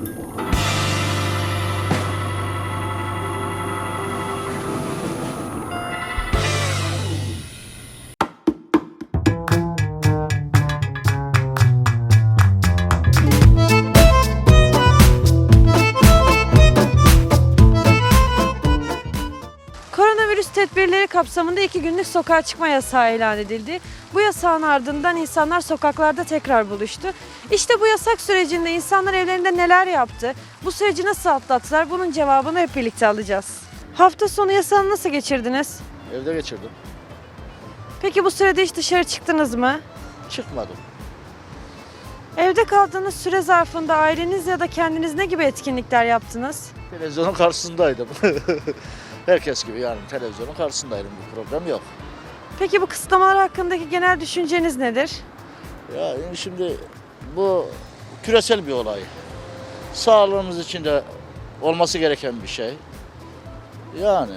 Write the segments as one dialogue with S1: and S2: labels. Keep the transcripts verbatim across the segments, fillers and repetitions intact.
S1: Koronavirüs tedbirleri kapsamında iki günlük sokağa çıkma yasağı ilan edildi. Bu yasağın ardından insanlar sokaklarda tekrar buluştu. İşte bu yasak sürecinde insanlar evlerinde neler yaptı? Bu süreci nasıl atlattılar? Bunun cevabını hep birlikte alacağız. Hafta sonu yasağını nasıl geçirdiniz?
S2: Evde geçirdim.
S1: Peki bu sürede hiç dışarı çıktınız mı?
S2: Çıkmadım.
S1: Evde kaldığınız süre zarfında aileniz ya da kendiniz ne gibi etkinlikler yaptınız?
S2: Televizyonun karşısındaydım. Herkes gibi yani televizyonun karşısındaydım. Bir problem yok.
S1: Peki bu kısıtlamalar hakkındaki genel düşünceniz nedir?
S2: Ya yani şimdi bu küresel bir olay. Sağlığımız için de olması gereken bir şey. Yani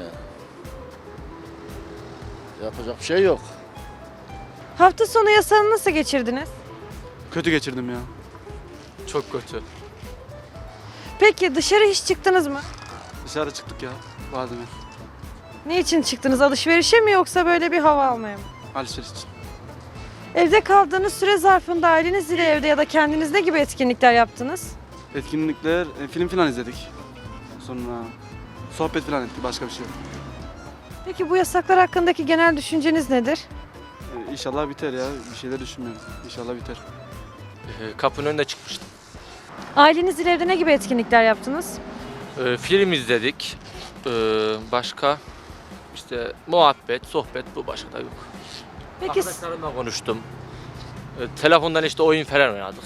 S2: yapacak bir şey yok.
S1: Hafta sonu yasağını nasıl geçirdiniz?
S3: Kötü geçirdim ya. Çok kötü.
S1: Peki dışarı hiç çıktınız mı?
S3: Dışarı çıktık ya. Vardı bir.
S1: Ne için çıktınız? Alışverişe mi yoksa böyle bir hava almaya mı?
S3: Alışveriş için.
S1: Evde kaldığınız süre zarfında ailenizle evde ya da kendiniz ne gibi etkinlikler yaptınız?
S3: Etkinlikler, e, film falan izledik. Sonra sohbet falan ettik. Başka bir şey yok.
S1: Peki bu yasaklar hakkındaki genel düşünceniz nedir?
S3: E, İnşallah biter ya. Bir şeyler düşünmüyorum. İnşallah biter.
S4: Ee, Kapının önüne çıkmıştım.
S1: Ailenizle evde ne gibi etkinlikler yaptınız?
S4: Ee, film izledik. Ee, başka işte muhabbet, sohbet, bu başka da yok.
S1: Peki,
S4: Arkadaşlarımla konuştum. Ee, telefondan işte oyun falan oynadık.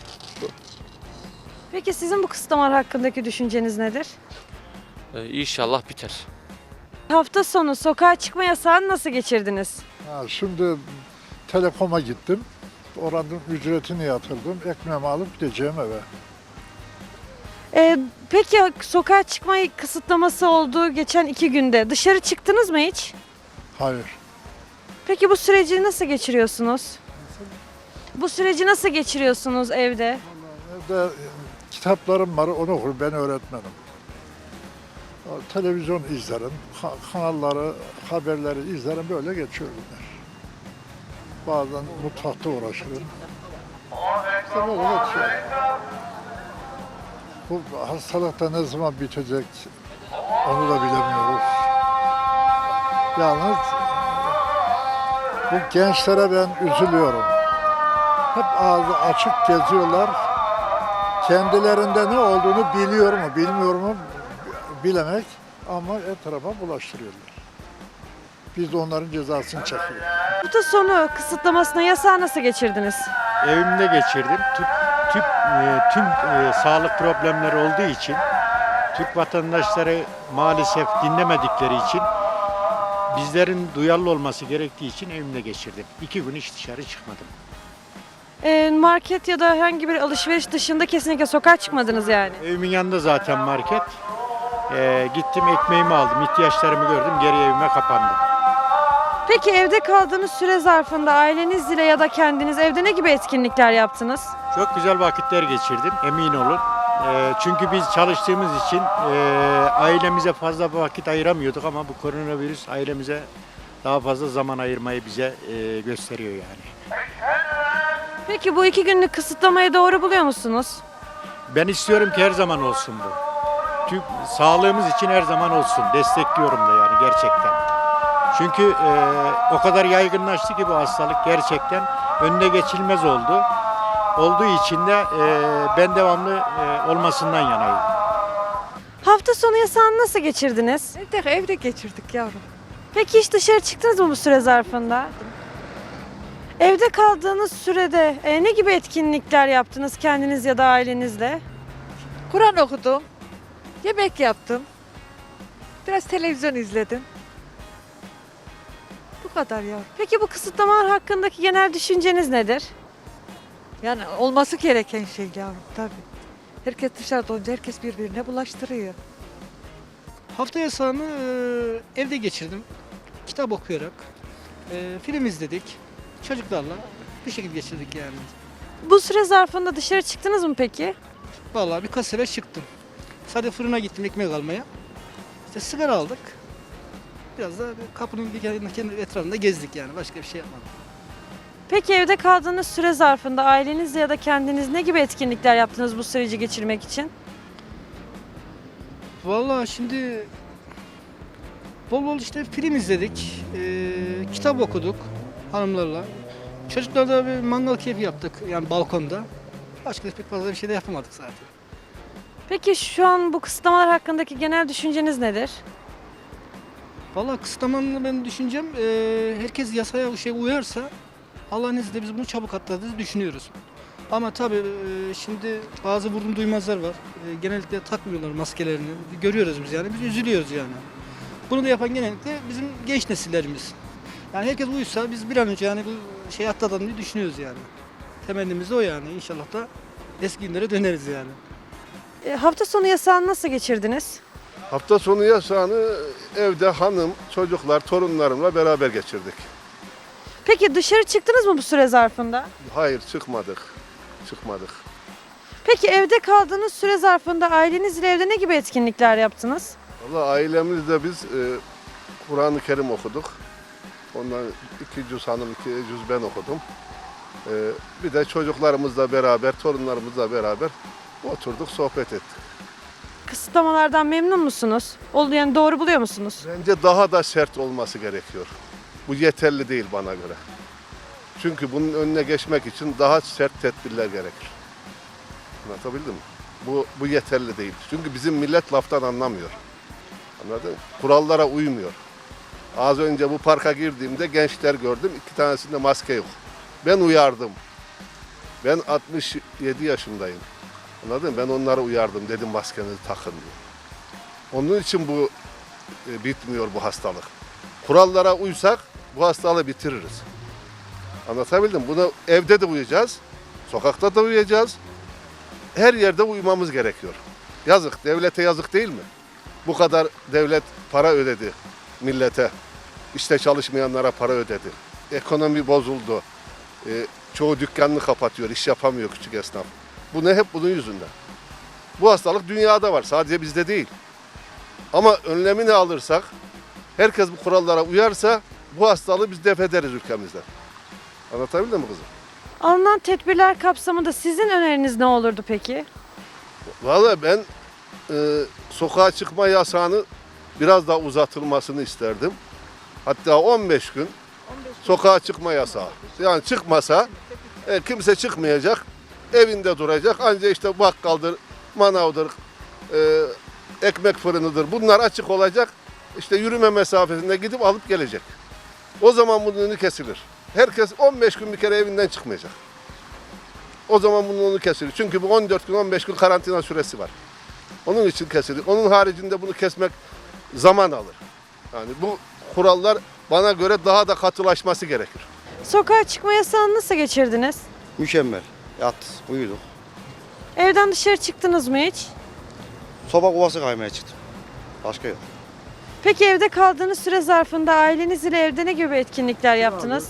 S1: peki sizin bu kısıtlamalar hakkındaki düşünceniz nedir?
S4: Ee, inşallah biter.
S1: Hafta sonu sokağa çıkma yasağını nasıl geçirdiniz?
S5: Ha, şimdi Telekom'a gittim. Oranın ücretini yatırdım. Ekmeğimi alıp gideceğim eve.
S1: Ee, peki sokağa çıkma kısıtlaması olduğu geçen iki günde dışarı çıktınız mı hiç?
S5: Hayır.
S1: Peki bu süreci nasıl geçiriyorsunuz? Bu süreci nasıl geçiriyorsunuz evde?
S5: Evde kitaplarım var, onu okurum. Ben öğretmenim. Televizyon izlerim, ka- kanalları, haberleri izlerim. Böyle geçiyor günler. Bazen mutfakta uğraşırım. İşte böyle geçiyor. Bu hastalık da ne zaman bitecek onu da bilemiyoruz. Yalnız bu gençlere ben üzülüyorum. Hep ağzı açık geziyorlar. Kendilerinde ne olduğunu biliyor mu, bilmiyor mu bilemek ama etrafa bulaştırıyorlar. Biz de onların cezasını çekiyoruz.
S1: Hafta sonu kısıtlamasına yasağı nasıl geçirdiniz?
S6: Evimde geçirdim. Tüp, tüp, e, tüm e, sağlık problemleri olduğu için Türk vatandaşları maalesef dinlemedikleri için bizlerin duyarlı olması gerektiği için evimde geçirdim. İki gün hiç dışarı çıkmadım.
S1: Ee, market ya da herhangi bir alışveriş dışında kesinlikle sokağa çıkmadınız yani.
S6: Evimin yanında zaten market. E, gittim ekmeğimi aldım, ihtiyaçlarımı gördüm, geri evime kapandım.
S1: Peki evde kaldığınız süre zarfında ailenizle ya da kendiniz evde ne gibi etkinlikler yaptınız?
S6: Çok güzel vakitler geçirdim, emin olun. E, çünkü biz çalıştığımız için e, ailemize fazla vakit ayıramıyorduk ama bu koronavirüs ailemize daha fazla zaman ayırmayı bize e, gösteriyor yani.
S1: Peki bu iki günlük kısıtlamayı doğru buluyor musunuz?
S6: Ben istiyorum ki her zaman olsun bu. Tüm sağlığımız için her zaman olsun. Destekliyorum da yani gerçekten. Çünkü e, o kadar yaygınlaştı ki bu hastalık gerçekten önüne geçilmez oldu. Olduğu için de e, ben devamlı e, olmasından yanayım.
S1: Hafta sonu yasağını nasıl geçirdiniz?
S7: Evde, evde geçirdik yavrum.
S1: Peki hiç dışarı çıktınız mı bu süre zarfında? Evde kaldığınız sürede e, ne gibi etkinlikler yaptınız kendiniz ya da ailenizle?
S7: Kur'an okudum. Yemek yaptım. Biraz televizyon izledim. Bu kadar yavrum.
S1: Peki bu kısıtlamalar hakkındaki genel düşünceniz nedir?
S7: Yani olması gereken şey yavrum tabii. Herkes dışarıda olunca herkes birbirine bulaştırıyor.
S8: Hafta yasağını e, evde geçirdim. Kitap okuyarak. E, film izledik. Çocuklarla bir şekilde geçirdik yani.
S1: Bu süre zarfında dışarı çıktınız mı peki?
S8: Vallahi birkaç sefer çıktım. Sadece fırına gittim ekmek almaya. İşte sigara aldık. Biraz da kapının bir kendi kendi etrafında gezdik yani. Başka bir şey yapmadık.
S1: Peki evde kaldığınız süre zarfında ailenizle ya da kendiniz ne gibi etkinlikler yaptınız bu süreci geçirmek için?
S8: Vallahi şimdi bol bol işte film izledik. ee, kitap okuduk hanımlarla. Çocuklarla bir mangal keyfi yaptık yani balkonda. Başka pek fazla bir şey de yapamadık zaten.
S1: Peki şu an bu kısıtlamalar hakkındaki genel düşünceniz nedir?
S8: Vallahi kısıtlamanın ben düşüncem ee, herkes yasaya şey uyarsa Allah'ın izniyle biz bunu çabuk atladığımızı düşünüyoruz. Ama tabii ee, şimdi bazı vurdum duymazlar var. Ee, genellikle takmıyorlar maskelerini. Görüyoruz biz yani. Biz üzülüyoruz yani. Bunu da yapan genellikle bizim genç nesillerimiz. Yani herkes uysa biz bir an önce yani bu şey atlatalım diye düşünüyoruz yani. Temennimiz de o yani. İnşallah da eski günlere döneriz yani.
S1: E, hafta sonu yasağını nasıl geçirdiniz?
S9: Hafta sonu yasağını evde hanım, çocuklar, torunlarımla beraber geçirdik.
S1: Peki dışarı çıktınız mı bu süre zarfında?
S9: Hayır çıkmadık, çıkmadık.
S1: Peki evde kaldığınız süre zarfında ailenizle evde ne gibi etkinlikler yaptınız?
S9: Vallahi ailemizle biz e, Kur'an-ı Kerim okuduk. Ondan iki cüz hanım, iki cüz ben okudum. E, bir de çocuklarımızla beraber, torunlarımızla beraber oturduk, sohbet ettik.
S1: Kısıtlamalardan memnun musunuz? Oldu yani doğru buluyor musunuz?
S9: Bence daha da sert olması gerekiyor. Bu yeterli değil bana göre. Çünkü bunun önüne geçmek için daha sert tedbirler gerekir. Anlatabildim mi? Bu, bu yeterli değil. Çünkü bizim millet laftan anlamıyor. Anladın mı? Kurallara uymuyor. Az önce bu parka girdiğimde gençler gördüm. İki tanesinde maske yok. Ben uyardım. Ben altmış yedi yaşındayım. Anladın mı? Ben onlara uyardım. Dedim maskenizi takın diye. Onun için bu e, bitmiyor bu hastalık. Kurallara uysak bu hastalığı bitiririz. Anlatabildim mi? Bunu evde de uyuyacağız. Sokakta da uyuyacağız. Her yerde uymamız gerekiyor. Yazık. Devlete yazık değil mi? Bu kadar devlet para ödedi millete. İşte çalışmayanlara para ödedi. Ekonomi bozuldu. Ee, çoğu dükkanını kapatıyor. İş yapamıyor küçük esnaf. Bu ne? Hep bunun yüzünden. Bu hastalık dünyada var. Sadece bizde değil. Ama önlemini alırsak, herkes bu kurallara uyarsa bu hastalığı biz def ederiz ülkemizden. Anlatabildim mi kızım?
S1: Alınan tedbirler kapsamında sizin öneriniz ne olurdu peki?
S9: Vallahi ben e, sokağa çıkma yasağını biraz daha uzatılmasını isterdim. Hatta on beş gün sokağa çıkma yasağı. Yani çıkmasa e, kimse çıkmayacak, evinde duracak. Ancak işte bakkaldır, manavdır, e, ekmek fırınıdır. Bunlar açık olacak. İşte yürüme mesafesinde gidip alıp gelecek. O zaman bunun önü kesilir. Herkes on beş gün bir kere evinden çıkmayacak. O zaman bunun önü kesilir. Çünkü bu on dört gün, on beş gün karantina süresi var. Onun için kesilir. Onun haricinde bunu kesmek zaman alır. Yani bu kurallar bana göre daha da katılaşması gerekir.
S1: Sokağa çıkma yasağını nasıl geçirdiniz?
S10: Mükemmel. Yat, uyuduk.
S1: Evden dışarı çıktınız mı hiç?
S10: Soba kovası kaymaya çıktım. Başka yok.
S1: Peki evde kaldığınız süre zarfında aileniz ile evde ne gibi etkinlikler yaptınız?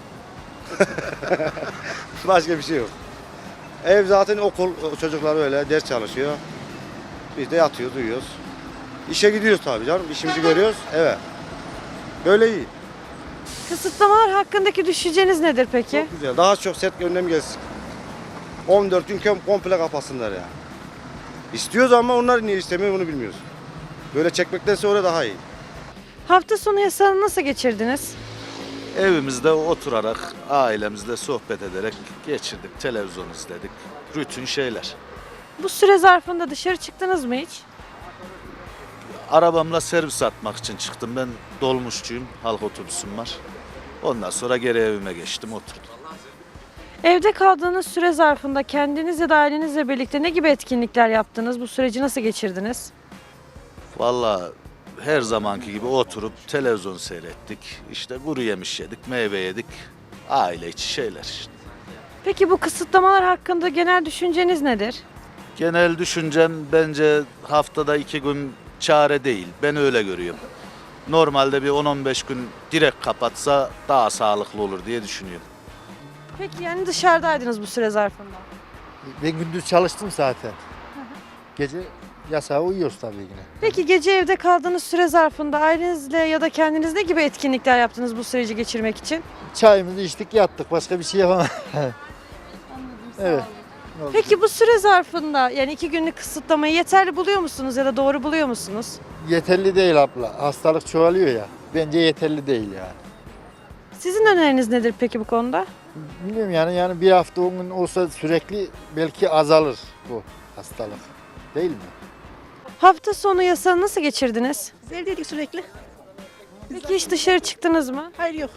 S10: Başka bir şey yok. Ev zaten okul, çocuklar öyle ders çalışıyor. Biz de yatıyoruz, uyuyoruz. İşe gidiyoruz tabii canım. İşimizi görüyoruz. Evet. Böyle iyi.
S1: Kısıtlamalar hakkındaki düşünceniz nedir peki?
S10: Çok güzel. Daha çok set önlem gelsin. on dört gün kom- komple kapatsınlar yani. İstiyoruz ama onlar niye istemiyor bunu bilmiyoruz. Böyle çekmektense öyle daha iyi.
S1: Hafta sonu yasağını nasıl geçirdiniz?
S11: Evimizde oturarak, ailemizle sohbet ederek geçirdik. Televizyon izledik. Rutin şeyler.
S1: Bu süre zarfında dışarı çıktınız mı hiç?
S11: Arabamla servis atmak için çıktım. Ben dolmuşçuyum. Halk otobüsüm var. Ondan sonra geri evime geçtim, oturdum.
S1: Evde kaldığınız süre zarfında kendiniz ya da ailenizle birlikte ne gibi etkinlikler yaptınız? Bu süreci nasıl geçirdiniz?
S11: Vallahi her zamanki gibi oturup televizyon seyrettik. İşte kuru yemiş yedik, meyve yedik. Aile içi şeyler işte.
S1: Peki bu kısıtlamalar hakkında genel düşünceniz nedir?
S11: Genel düşüncem bence haftada iki gün çare değil. Ben öyle görüyorum. Normalde bir on on beş gün direkt kapatsa daha sağlıklı olur diye düşünüyorum.
S1: Peki yani dışarıdaydınız bu süre zarfında.
S12: Ben gündüz çalıştım zaten. Gece yasağa uyuyoruz tabii yine.
S1: Peki gece evde kaldığınız süre zarfında ailenizle ya da kendiniz ne gibi etkinlikler yaptınız bu süreci geçirmek için?
S12: Çayımızı içtik yattık, başka bir şey yapamadık. Evet.
S1: Peki bu süre zarfında yani iki günlük kısıtlamayı yeterli buluyor musunuz ya da doğru buluyor musunuz?
S12: Yeterli değil abla. Hastalık çoğalıyor ya. Bence yeterli değil yani.
S1: Sizin öneriniz nedir peki bu konuda?
S12: Bilmiyorum yani yani bir hafta on gün olsa sürekli belki azalır bu hastalık. Değil mi?
S1: Hafta sonu yasağı nasıl geçirdiniz?
S7: Evdeydik sürekli.
S1: Peki hiç dışarı çıktınız mı?
S7: Hayır yok.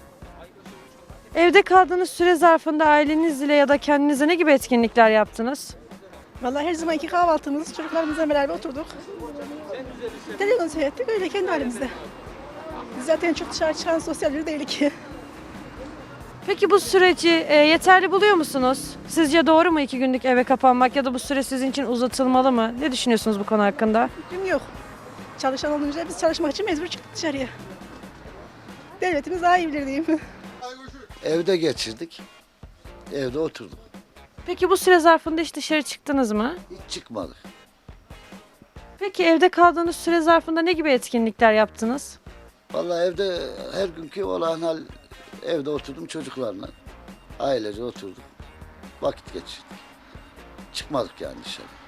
S1: Evde kaldığınız süre zarfında ailenizle ya da kendinize ne gibi etkinlikler yaptınız?
S7: Vallahi her zamanki kahvaltımız, çocuklarımızla beraber oturduk. Televizyon seyrettik, öyle kendi halimizde. Biz zaten çok dışarı çıkan sosyal biri değilik ki.
S1: Peki bu süreci e, yeterli buluyor musunuz? Sizce doğru mu iki günlük eve kapanmak ya da bu süre sizin için uzatılmalı mı? Ne düşünüyorsunuz bu konu hakkında?
S7: Fikrim yok. Çalışan olunca biz çalışmak için mecbur çıktık dışarıya. Devletimiz daha iyi bilir diyeyim.
S2: Evde geçirdik. Evde oturduk.
S1: Peki bu süre zarfında hiç dışarı çıktınız mı?
S2: Hiç çıkmadık.
S1: Peki evde kaldığınız süre zarfında ne gibi etkinlikler yaptınız?
S2: Vallahi evde her günkü olan hal evde oturdum çocuklarla. Ailece oturduk. Vakit geçirdik. Çıkmadık yani dışarı.